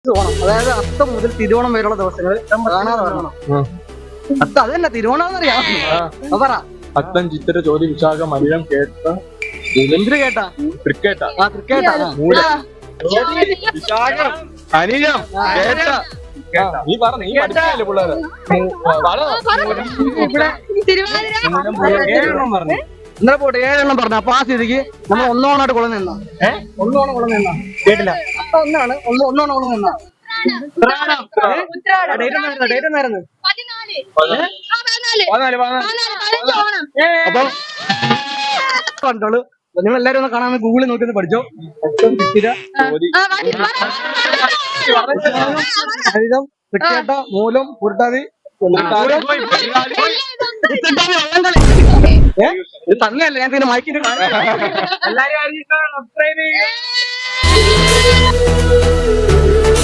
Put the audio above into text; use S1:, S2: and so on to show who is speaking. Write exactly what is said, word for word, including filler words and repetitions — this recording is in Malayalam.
S1: ഓണം, അതായത് അത്തം മുതൽ തിരുവോണം വരെയുള്ള ദിവസങ്ങൾ കാണാതെ വരണം. അത്ത അത് തന്നെ തിരുവോണം എന്നറിയാം. പറ.
S2: അത്തം, ചിത്തിര, ചോതി, വിശാഖ, മലയം, കേട്ട,
S1: എന്തിനു കേട്ടാ?
S2: ക്രിക്കറ്റാ,
S1: ആ ക്രിക്കറ്റാ.
S2: വിശാഖം, അനിയം, കേട്ട. നീ പറ, നീ പഠിപ്പിക്കല്ലേ പിള്ളേരെ?
S1: ഏഴെണ്ണം പറഞ്ഞു. ഇന്നലെ പോട്ടെ ഏഴെണ്ണം പറഞ്ഞു. അപ്പൊ ആ സ്ഥിതിക്ക് നമ്മൾ ഒന്നോണായിട്ട് കുളം നിന്നാ. ഏഹ് ഒന്നോണം കുളം നിന്നാ കേട്ടില്ല. അപ്പൊ ഒന്നാണ് ഒന്ന് ഒന്നോണം കുളം നിന്നാ. ഡേറ്റ് എന്നായിരുന്നു? അപ്പൊ കണ്ടോളൂ. നിങ്ങൾ എല്ലാരും ഒന്ന് കാണാൻ ഗൂഗിളിൽ നോക്കി ഒന്ന് പഠിച്ചോ. അത്തം, ചിത്തിര, ഹരിതം, തൃക്കേട്ട, മൂലം, പുരട്ടാതി, ഇത് തന്നെയല്ല ഞാൻ പിന്നെ മയക്കിട്ട് എല്ലാരും